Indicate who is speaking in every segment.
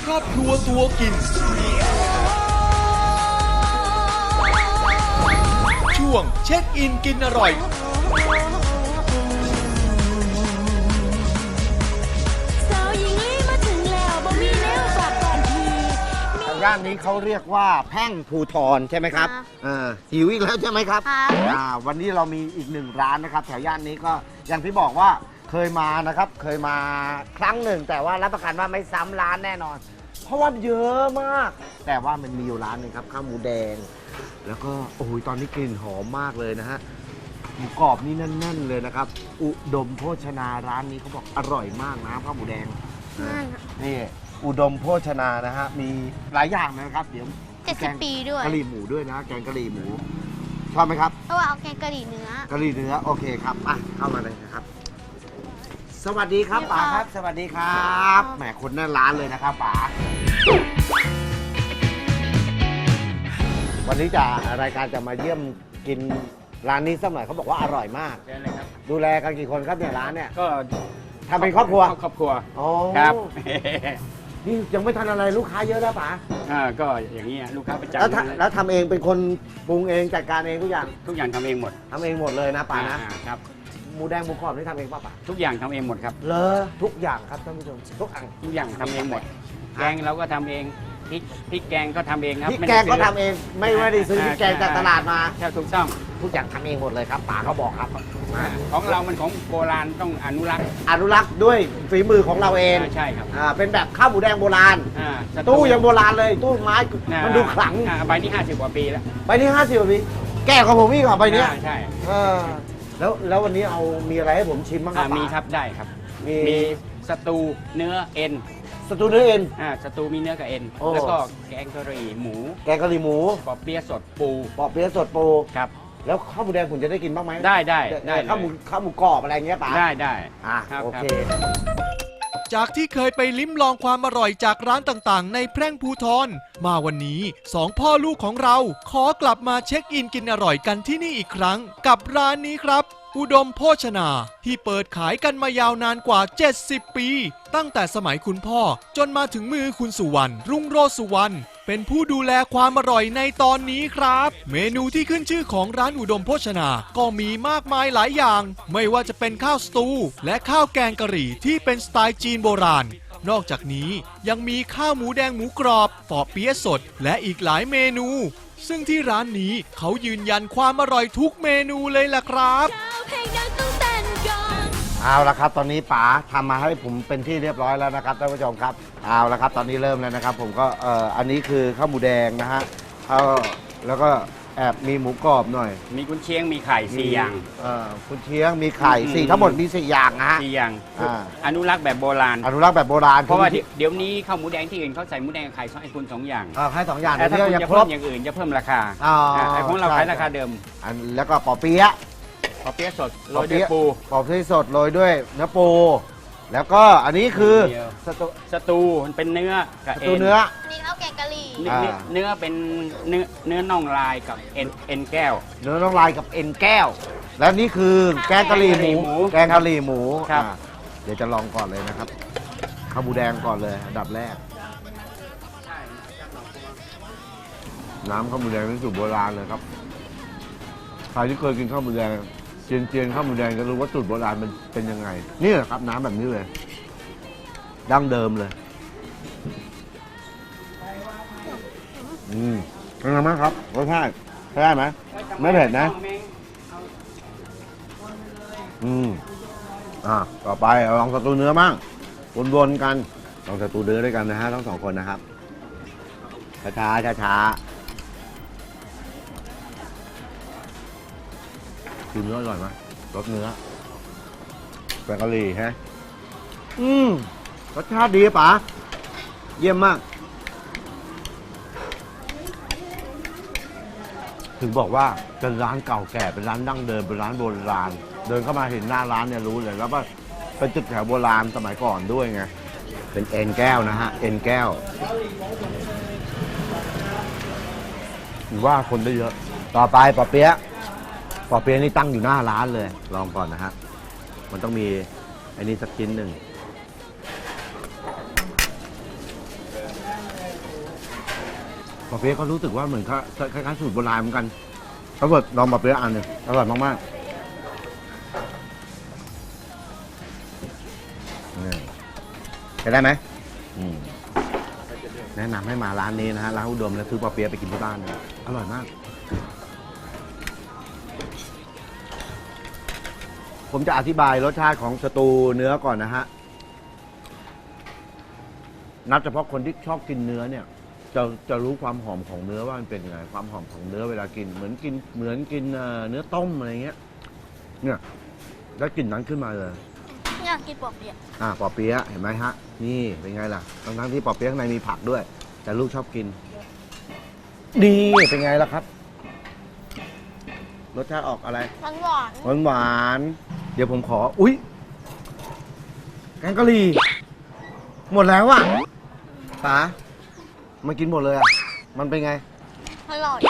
Speaker 1: ครอบครัวตัวกินช่วงเช็คอินกินอร่อย
Speaker 2: ย่านนี้เขาเรียกว่าแพ่งภูทรใช่ไหมครับหิวอีกแล้วใช่ไหมครับวันนี้เรามีอีกหนึ่งร้านนะครับแถวย่านนี้ก็อย่างที่บอกว่าเคยมานะครับเคยมาครั้งหนึ่งแต่ว่ารับประกันว่าไม่ซ้ำร้านแน่นอนเพราะว่าเยอะมากแต่ว่ามันมีอยู่ร้านนึงครับข้าวหมูแดงแล้วก็โอ้ยตอนนี้กลิ่นหอมมากเลยนะฮะหมูกรอบนี่แน่นๆเลยนะครับอุดมโภชนาร้านนี้เขาบอกอร่อยมากนะข้าวหมูแดงนี่อุดมโภชนานะฮะมีหลายอย่างนะครับเดี๋ยว
Speaker 3: 70 ปีด้วย
Speaker 2: กะหรี่หมูด้วยนะแกงกะหรี่หมูชอบไหมครับ
Speaker 3: เพราะว่าเอาแกงกะหรี่เนื้อก
Speaker 2: ะหรี่เนื้อโอเคครับเข้ามาเลยนะครับสวัสดีครับป๋าครับสวัสดีครับแหมคนหน้าร้านเลยนะครับป๋าวันนี้จะรายการจะมาเยี่ยมกินร้านนี้สักหน่อยเขาบอกว่าอร่อยมากดูแลกันกี่คนครับเนี่ยร้านเนี่ย
Speaker 4: ก็
Speaker 2: ทำเป็นครอบครัว
Speaker 4: ครับ
Speaker 2: นี่ยังไม่ทันอะไรลูกค้าเยอะแล้วป๋า
Speaker 4: ก็อย่างนี้ลูกค้าประจำ
Speaker 2: แล้วทำเองเป็นคนปรุงเองจัดการเองทุกอย่าง
Speaker 4: ทำเองหมด
Speaker 2: เลยนะป๋านะครับหมูแดงหมูกรอบนี่ทำเองป่ะป๋า
Speaker 4: ทุกอย่างทำเองหมดครับ
Speaker 2: ทุกอย่างครับท่านผู้ชมทุก
Speaker 4: อย่างทำเองหมดแกงเราก็ทำเองพริกแกงก็ทำเองครับ
Speaker 2: พริกแกงก็ทำเองไม่ได้ซื้อพริกแกงจากตลาดมา
Speaker 4: แค่ทุกช่อง
Speaker 2: ทุกอย่างทำเองหมดเลยครับป๋าเขาบอกครับ
Speaker 4: ของเรามันของโบราณต้องอนุรักษ์
Speaker 2: ด้วยฝีมือของเราเอง
Speaker 4: ใช่ครับ
Speaker 2: เป็นแบบข้าวหมูแดงโบราณตู้ยังโบราณเลยตู้ไม้มันดูขลัง
Speaker 4: ใบนี้50 กว่าปีแล้ว
Speaker 2: ใบนี้50 กว่าปีแก่ของผมอีกเหรอใบนี้
Speaker 4: ใช่
Speaker 2: แล้ววันนี้เอามีอะไรให้ผมชิมบ้างครับ
Speaker 4: มีครับได้ครับมีสตูเนื้อเอ็น
Speaker 2: สตูเนื้อเอ็น
Speaker 4: สตูมีเนื้อกับเอ็นแล้วก็แกงกะหรี่หมู
Speaker 2: ปอ
Speaker 4: เปี๊ยะสดปูครับ
Speaker 2: แล้วข้าวหมูแดงผมจะได้กินบ้างไหม
Speaker 4: ได้
Speaker 2: ข้าวหมูกรอบอะไรเงี้ยป๋า
Speaker 4: ได้
Speaker 2: โอเค
Speaker 1: จากที่เคยไปลิ้มลองความอร่อยจากร้านต่างๆในแพร่งภูทรมาวันนี้2พ่อลูกของเราขอกลับมาเช็คอินกินอร่อยกันที่นี่อีกครั้งกับร้านนี้ครับอุดมโภชนาที่เปิดขายกันมายาวนานกว่า70 ปีตั้งแต่สมัยคุณพ่อจนมาถึงมือคุณสุวรรณรุ่งโรจน์สุวรรณเป็นผู้ดูแลความอร่อยในตอนนี้ครับเมนูที่ขึ้นชื่อของร้านอุดมโภชนาก็มีมากมายหลายอย่างไม่ว่าจะเป็นข้าวสตูและข้าวแกงกะหรี่ที่เป็นสไตล์จีนโบราณนอกจากนี้ยังมีข้าวหมูแดงหมูกรอบปอเปี๊ยะสดและอีกหลายเมนูซึ่งที่ร้านนี้เขายืนยันความอร่อยทุกเมนูเลยล่ะครับ
Speaker 2: เอาละครับตอนนี้ป๋าทำมาให้ผมเป็นที่เรียบร้อยแล้วนะครับท่านผู้ชมครับเอาละครับตอนนี้เริ่มแล้วนะครับผมก็อันนี้คือข้าวหมูแดงนะฮะแล้วก็แอบมีหมูกรอบหน่อย
Speaker 4: มีกุนเชียงมีไข่4 อย่าง
Speaker 2: กุนเชียงมีไข่4ทั้งหมดมี4 อย่างนะฮะ
Speaker 4: 4 อย่างอนุรักษ์แบบโบราณเพราะว่าเดี๋ยวนี้ข้าวหมูแดงที่อื่นเขาใส่หมูแดงไข่ให้คุณ2 อย่าง
Speaker 2: ให้2 อย่าง
Speaker 4: แต่ถ้าคุณจะเพิ่มอย่างอื่นจะเพิ่มราคาไอ้ของเราขายราคาเดิม
Speaker 2: แล้วก็ปอเปี๊ยะ
Speaker 4: สดโรยด้วยปู
Speaker 2: ปอเปี๊ยะสดโรยด้วยเนื้อปูแล้วก็อันนี้คือ
Speaker 4: สตูมันเป็นเนื้อกับเอ็น
Speaker 3: นี่ข้าวแกงกะหรี่
Speaker 4: เนื้อเป็นเนื้อน่องลายกับเอ็นแก้ว
Speaker 2: เนื้อน่องลายกับเอ็นแก้วแล้วนี่คือแกงกะหรี่หมู
Speaker 4: ครับ
Speaker 2: เดี๋ยวจะลองก่อนเลยนะครับข้าวหมูแดงก่อนเลยอันดับแรกน้ำข้าวหมูแดงเป็นสูตรโบราณเลยครับใครที่เคยกินข้าวหมูแดงเจียนข้าวหมูแดงจะรู้ว่าสูตรโบราณมันเป็นยังไงนี่แหละครับน้ำแบบนี้เลยดั้งเดิมเลยเป็นไงบ้างครับรสชาติใช้ได้ไหมไม่เผ็ดนะต่อไปลองสตูเนื้อบ้างวนๆกันลองสตูเนื้อด้วยกันนะฮะทั้ง2 คนนะครับช้ากินเนื้ออร่อยไหมรสเนื้อแกงกะหรี่ฮะรสชาติดีป๋าเยี่ยมมากถึงบอกว่าเป็นร้านเก่าแก่เป็นร้านดั้งเดิมเป็นร้านโบราณเดินเข้ามาเห็นหน้าร้านเนี่ยรู้เลยแล้วว่าเป็นตึกแถวโบราณสมัยก่อนด้วยไงเป็นเอ็นแก้วนะฮะเอ็นแก้วว่าคนได้เยอะต่อไปปอเปี๊ยะนี่ตั้งอยู่หน้าร้านเลยลองก่อนนะฮะมันต้องมีไอ้นี่สักชิ้นหนึ่งอเปี๊ยะก็รู้สึกว่าเหมือนคล้ายๆสูตรโบราณเหมือนกันเขาบอกลองปอเปี๊ยะอันหนึงอร่อยมากๆนี่ใช้ได้ไหมแนะนำให้มาร้านนี้นะฮะร้านอุดมแล้วซื้อปอเปี๊ยะไปกินที่บ้านเลยอร่อยมาก ผมจะอธิบายรสชาติของสตูเนื้อก่อนนะฮะ นับเฉพาะคนที่ชอบกินเนื้อเนี่ยจะรู้ความหอมของเนื้อว่ามันเป็นยังไงความหอมของเนื้อเวลากินเหมือนกินเนื้อต้มอะไรเงี้ยเนี่ยแล้วกลิ่นนั้นขึ้นมาเลย
Speaker 3: อยากกินปอเปี๊ยะ
Speaker 2: ปอเปี๊ยะเห็นไหมฮะนี่เป็นไงล่ะทั้งที่ปอเปี๊ยะข้างในมีผักด้วย แต่ลูกชอบกินดีเป็นไงล่ะครับรสชาติออกอะไร
Speaker 3: หวาน
Speaker 2: เดี๋ยวผมขออุ๊ยแกงกะหรี่หมดแล้วอ่ะป๋ามากินหมดเลยอ่ะมันเป็นไง
Speaker 3: อร่อย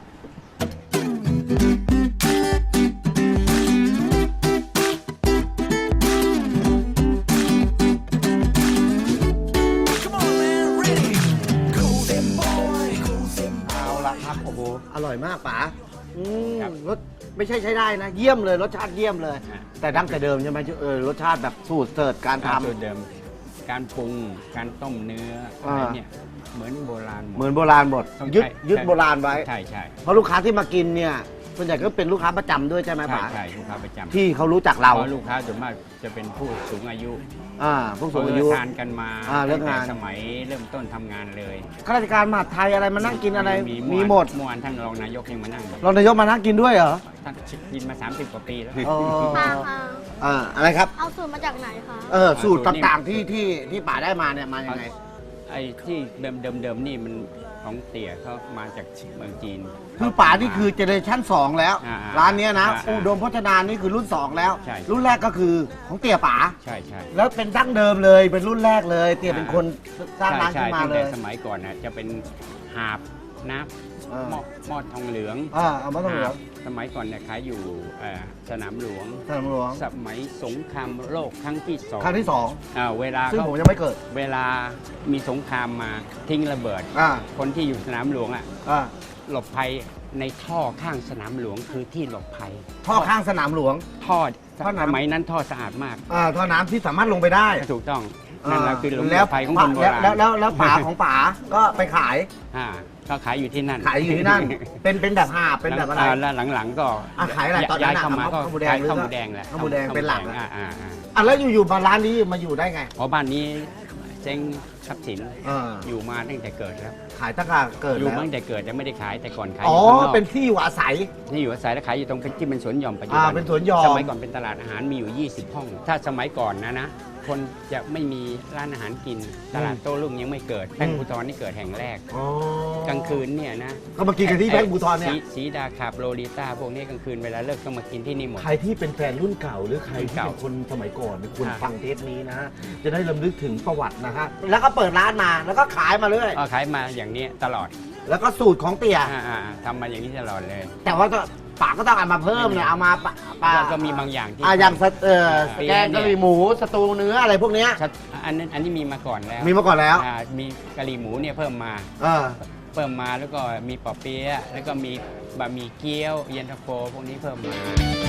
Speaker 2: เอาละครับโอ้โหอร่อยมากป๋ารสไม่ใช่ใช้ได้นะเยี่ยมเลยรสชาติเยี่ยมเลย แต่ดั้งแต่เดิมใช่ไหมรสชาติแบบสูตรเสิร์ชการ
Speaker 4: การ
Speaker 2: ทำ
Speaker 4: สูตรเดิมการปรุงการต้มเนื้ออะไรเนี่ยเหมือนโบราณหมด
Speaker 2: เหมือนโบราณหมด
Speaker 4: ต้อง
Speaker 2: ยึด
Speaker 4: ใช้
Speaker 2: ยึดโบราณไว้
Speaker 4: ใช่ใช่
Speaker 2: เพราะลูกค้าที่มากินเนี่ยส่วนใหญ่ก็เป็นลูกค้าประจำด้วยใช่ไหม
Speaker 4: ใช่
Speaker 2: ป๋า
Speaker 4: ใช่ลูกค้าประจำ
Speaker 2: ที่เขารู้จักเรา
Speaker 4: เพราะลูกค้าส่วนมากจะเป็นผู้สูงอายุ
Speaker 2: ผู้สูงอายุ
Speaker 4: ทานกันมา
Speaker 2: เลิก
Speaker 4: ตั้งแต่
Speaker 2: งาน
Speaker 4: สมัยเริ่มต้นทำงานเลย
Speaker 2: ข้าราชการมหาดไทยอะไรมานั่งกินอะไรมีหมด
Speaker 4: เมื่อวานท่านรองนายกยังมานั่งอยู่
Speaker 2: รองนายกมานั่งกินด้วยเหรอ
Speaker 4: ท่านกินมา 30 กว่าปีแล้ว
Speaker 2: อ๋อ
Speaker 3: ค่ะ
Speaker 2: อะไรครับ
Speaker 3: เอาสูตรมาจากไหนคะ
Speaker 2: สูตรต่างๆที่ป๋าได้มาเนี่ยมายังไง
Speaker 4: ไอ้ที่เดิมนี่มันของเตี่ยเขามาจากเมืองจีน
Speaker 2: คือป๋านี่คือเจเนอเรชั่น2แล้ว
Speaker 4: อ่า
Speaker 2: ร้านเนี้ยนะ
Speaker 4: อ่า
Speaker 2: อุดมพจนานี่คือรุ่น 2 แล้ว
Speaker 4: ใช่
Speaker 2: รุ่นแรกก็คือของเตี่ยป๋า
Speaker 4: ใช่ใช่
Speaker 2: แล้วเป็นดั้งเดิมเลยเป็นรุ่นแรกเลยเตี่ยเป็นคนสร้างร้าน
Speaker 4: ใช่
Speaker 2: ขึ้นมา
Speaker 4: ตั้ง
Speaker 2: เล
Speaker 4: แต่
Speaker 2: ย
Speaker 4: สมัยก่อนนะจะเป็นหาบน้ำหม้อทองเหลือง
Speaker 2: เอามาต้องเหลือง
Speaker 4: สมัยก่อนเนี่ยขายอยู่สนามหลวง
Speaker 2: สนามหลวง
Speaker 4: สมัยสงครามโลกครั้งที่สอง
Speaker 2: ครั้งที่
Speaker 4: เวลา
Speaker 2: 2 ซึ่ง
Speaker 4: เขา
Speaker 2: ผมยังไม่เกิด
Speaker 4: เวลามีสงครามมาทิ้งระเบิด
Speaker 2: อ่า
Speaker 4: คนที่อยู่สนามหลวงอ่ะ
Speaker 2: อ่า
Speaker 4: หลบภัยในท่อข้างสนามหลวงคือที่หลบภัย
Speaker 2: ท่อข้างสนามหลวง
Speaker 4: ท่อ
Speaker 2: ท่อน้ำ
Speaker 4: สมัยนั้นท่อสะอาดมาก
Speaker 2: ท่อน้ำที่สามารถลงไปได้
Speaker 4: ถูกต้องนั่นแหละคือหลบ
Speaker 2: แล้ว
Speaker 4: ภัยของคนโบราณ
Speaker 2: แล้วป๋าของป๋าก็ไปขาย
Speaker 4: ก็ขายอยู่ที่นั่น
Speaker 2: ขายอยู่ที่นั่น เป็นแบบหาบเป็นแบบอะไร
Speaker 4: แล้วหลังๆก็
Speaker 2: ขายอะไรตอนนั้น
Speaker 4: ย้ายเข้ามาก็
Speaker 2: ข้าวหมูแดง
Speaker 4: ขาย
Speaker 2: หรือ
Speaker 4: ข้าวหมูแดงแหละ
Speaker 2: ข้าวหมูแดงเป็นหลัก
Speaker 4: อ่า
Speaker 2: แล้วอยู่ๆมาร้านนี้มาอยู่ได้ไง
Speaker 4: เพราะบ้านนี้เจ๊งทรัพย์สิน
Speaker 2: เออ
Speaker 4: อยู่มาตั้งแต่เกิดแล้ว
Speaker 2: ขายตั้งแต่เกิด
Speaker 4: อยู่
Speaker 2: แล้ว
Speaker 4: มาตั้งแต่เกิดแต่ไม่ได้ขายแต่ก่อนขายอ
Speaker 2: อ๋อยู่
Speaker 4: ข้างนอก
Speaker 2: เป็นที่อยู่อาศัย
Speaker 4: ที่อยู่อาศัยแล้วขายอยู่ตรงที่เป็นสวนหย่อมปัจจุบัน
Speaker 2: เป็นสวนหย่อม
Speaker 4: สมัยก่อนเป็นตลาดอาหารมีอยู่ 20 ห้อง ถ้าสมัยก่อนนะคนจะไม่มีร้านอาหารกิน ตลาดโต้รุ่งยังไม่เกิดแป้งภูทรนี่เกิดแห่งแรก
Speaker 2: อ๋อก
Speaker 4: ลางคืนเนี่ยนะ
Speaker 2: ก็มากินกันที่แป้งบูทอนเนี่ย
Speaker 4: สีดาคาบโลลิต้าพวกนี้กลางคืนเวลาเลิกก็มากินที่นี่หมด
Speaker 2: ใครที่เป็นแฟนรุ่นเก่าหรือใครที่เป็นคนสมัยก่อนเนี่ยควรฟังเทปนี้นะฮะจะได้รำลึกถึงประวัตินะฮะแล้วก็เปิดร้านมาแล้วก็ขายมาเรื่อย
Speaker 4: ก็ขายมาอย่างนี้ตลอด
Speaker 2: แล้วก็สูตรของเตี่ย
Speaker 4: ทำมาอย่างนี้ตลอดเลย
Speaker 2: แต่ว่าก็ป๋าก็ต้องเอามาเพิ่มเนี่ยเอามาปะ
Speaker 4: ก็มีบางอย่างที่
Speaker 2: อย่าง
Speaker 4: ปี
Speaker 2: แกงกะหรี่หมูสตูเนื้ออะไรพวกเนี้ย
Speaker 4: อันนี้มีมาก่อนแล้ว
Speaker 2: มีมาก่อนแล้ว
Speaker 4: มีกะหรี่หมูเนี่ยเพิ่มมา เพิ่มมาแล้วก็มีปอเปี๊ยะแล้วก็มีบะหมี่เกี๊ยวเย็นตาโฟพวกนี้เพิ่มมา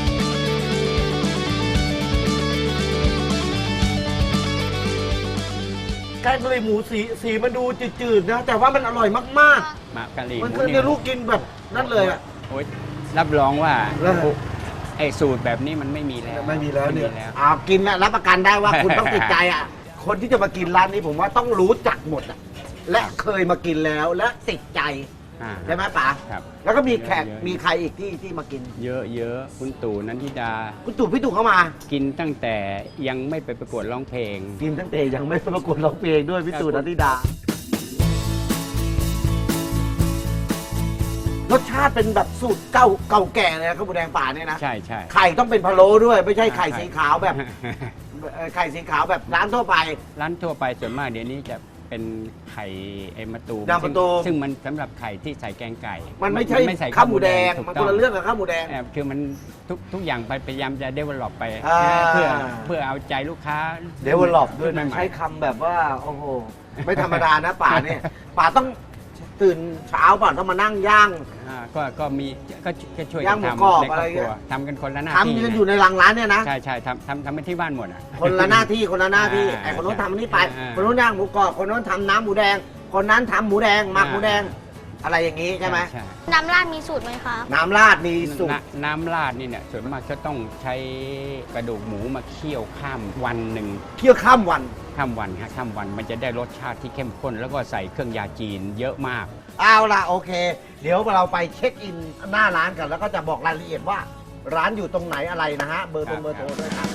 Speaker 2: แกงกะหรี่หมูสีมันดูจืดๆนะแต่ว่ามันอร่อยมาก
Speaker 4: มากะหรี่ห
Speaker 2: ๆ มัน
Speaker 4: มู
Speaker 2: คือ
Speaker 4: เนี่
Speaker 2: เนี่ย ยลูกกินแบบนั่นเลยอ่ะ
Speaker 4: โอ๊ยรับรองว่า
Speaker 2: เออ
Speaker 4: ไอ้สูตรแบบนี้มันไม่มีแล้ว
Speaker 2: ไม่มีแล้วเนี่ย
Speaker 4: ไม่มีแล้ว
Speaker 2: กินนะรับประกันได้ว่าคุณต้องติดใจอ่ะคนที่จะมากินร้านนี้ผมว่าต้องรู้จักหมดอ่ะและเคยมากินแล้วและติดใจใช่ไหมป๋า
Speaker 4: ครับ
Speaker 2: แล้วก็มีแขก
Speaker 4: เยอะๆ
Speaker 2: มีใครอีกที่มากิน
Speaker 4: เยอะคุณตู่นันทิดา
Speaker 2: คุณตู่พี่ตู่เข้ามา
Speaker 4: กินตั้งแต่ยังไม่ไปประกวดร้องเพลง
Speaker 2: กินตั้งแต่ยังไม่ประกวดร้องเพลงด้วยพี่ตู่นันทิดารสชาติเป็นแบบสูตรเก่าแก่เลยนะข้าวหมูแดงป่าเนี่ยนะ
Speaker 4: ใช่ใช่
Speaker 2: ไข่ต้องเป็นพะโล้ด้วย ไม่ใช่ไข่สีขาวแบบไข่สีขาวแบบร้านทั่วไป
Speaker 4: ร้านทั่วไปส่วนมากเดี๋ยวนี้จะเป็นไข่มะตูม
Speaker 2: ดำมะตูม
Speaker 4: ซึ่งมันสำหรับไข่ที่ใส่แกงไก่
Speaker 2: มันไม่ใใช่ข้าวหมูแดงมันคนละเรื่องกับข้าวหมูแดง
Speaker 4: คือมันทุกอย่างพยายามจะ develop ไป
Speaker 2: อ่า
Speaker 4: เพื่อเอาใจลูกค้า
Speaker 2: เดเวลลอปด้วยนะ
Speaker 4: ใหม่ๆ
Speaker 2: ใช้คำแบบว่า โอ้โห ไม่ธรรมดานะป่าเนี่ยป่าต้องตื่นเช้าป่ะต้องมานั่งย่าง
Speaker 4: ก็มีก็ช่วย
Speaker 2: ย่า
Speaker 4: กั
Speaker 2: ง
Speaker 4: น
Speaker 2: หมู
Speaker 4: ทำ
Speaker 2: กรอบ
Speaker 4: ในค
Speaker 2: อะ
Speaker 4: ร
Speaker 2: ไร
Speaker 4: อบครัว
Speaker 2: เงี้ย
Speaker 4: ทำกันคนละหน้าที่
Speaker 2: ทำกันอยู่ในหลังร้านเนี่ยนะ
Speaker 4: ใช่ทำกันที่บ้านหมดอ่ะ
Speaker 2: คนละหน้าที่คนละหน้าที่
Speaker 4: อ่า
Speaker 2: ไอ้คนโน้นทำอันนี้ไป
Speaker 4: อ่า
Speaker 2: คนโน้นย่างหมูกรอบคนโน้นทำน้ำหมูแดง คนนั้นทำหมูแดงหมักหมูแดง อะไรอย่างนี้ใช่ไหม
Speaker 4: ใช่
Speaker 3: น้ำราดมีสูตรไหมคะ
Speaker 2: น้ำราดมีสูตร
Speaker 4: น้ำราดนี่เนี่ยส่วนมากจะต้องใช้กระดูกหมูมาเคี่ยวข้ามวันหนึ่ง
Speaker 2: เคี่ยวข้ามวัน
Speaker 4: ข้ามวันฮะข้ามวันมันจะได้รสชาติที่เข้มข้น แล้วก็ใส่เครื่องยาจีนเยอะมาก
Speaker 2: เอาล่ะโอเค เดี๋ยวเราไปเช็คอินหน้าร้านกัน แล้วก็จะบอกรายละเอียดว่า ร้านอยู่ตรงไหนอะไรนะฮะ เบอร์โทร
Speaker 4: ครับ
Speaker 2: เบอร์โทรด้วยครับ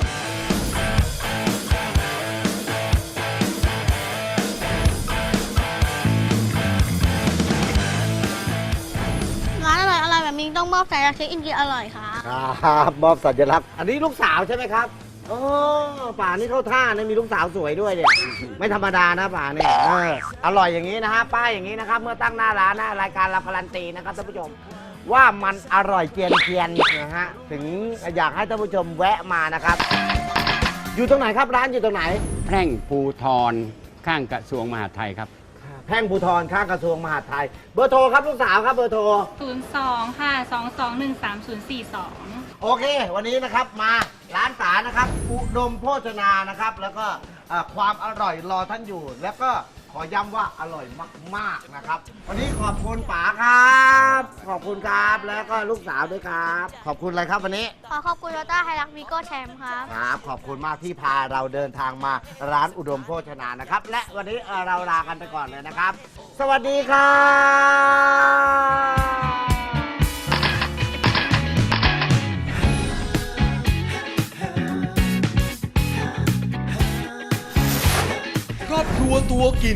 Speaker 3: ร้านอร่อยแบบนี้ต้องมอบสายเช็คอินกินอร่อยค่ะ
Speaker 2: ครับมอบสัญลักษณ์อันนี้ลูกสาวใช่ไหมครับโอ้ป่านี่เข้าท่านะมีลูกสาวสวยด้วยเนี่ย ไม่ธรรมดานะป่าเนี่ยอร่อยอย่างนี้นะฮะป้ายอย่างนี้นะครับ เมื่อตั้งหน้าร้านนะรายการเราการันตีนะครับท่านผู้ชม ว่ามันอร่อยเจียนนะฮะถึงอยากให้ท่านผู้ชมแวะมานะครับ อยู่ตรงไหนครับร้านอยู่ตรงไหน
Speaker 4: แพร่งภูทรข้างกระทรวงมหาดไทยครับ
Speaker 2: แพ่งภูทรข้างกระทรวงมหาดไทย เบอร์โทรครับลูกสาวครับเบอร์โทร
Speaker 5: 02 ค่ะ 2213 042
Speaker 2: โอเค วันนี้นะครับมาร้านสานะครับอุดมโภชนานะครับ แล้วก็ความอร่อยรอท่านอยู่ แล้วก็ขอย้ำว่าอร่อยมากๆนะครับ วันนี้ขอบคุณป๋าครับ ขอบคุณครับแล้วก็ลูกสาวด้วยครับ ขอบคุณอะไรครับวันนี้
Speaker 3: ขอบคุณโตต้าไฮรักวีโก้แชมป์ครับ
Speaker 2: ครับขอบคุณมากที่พาเราเดินทางมาร้านอุดมโภชนานะครับ และวันนี้เราลากันไปก่อนเลยนะครับ สวัสดีครับ
Speaker 1: ครอบครัวตัวกิน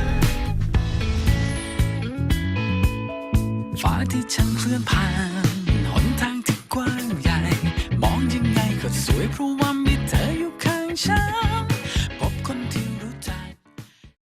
Speaker 6: ฟ้าที่ฉันเคลื่อนผ่านหนทางที่กว้างใหญ่ มองยังไงก็สวยเพราะว่ามีเธออยู่ข้างฉัน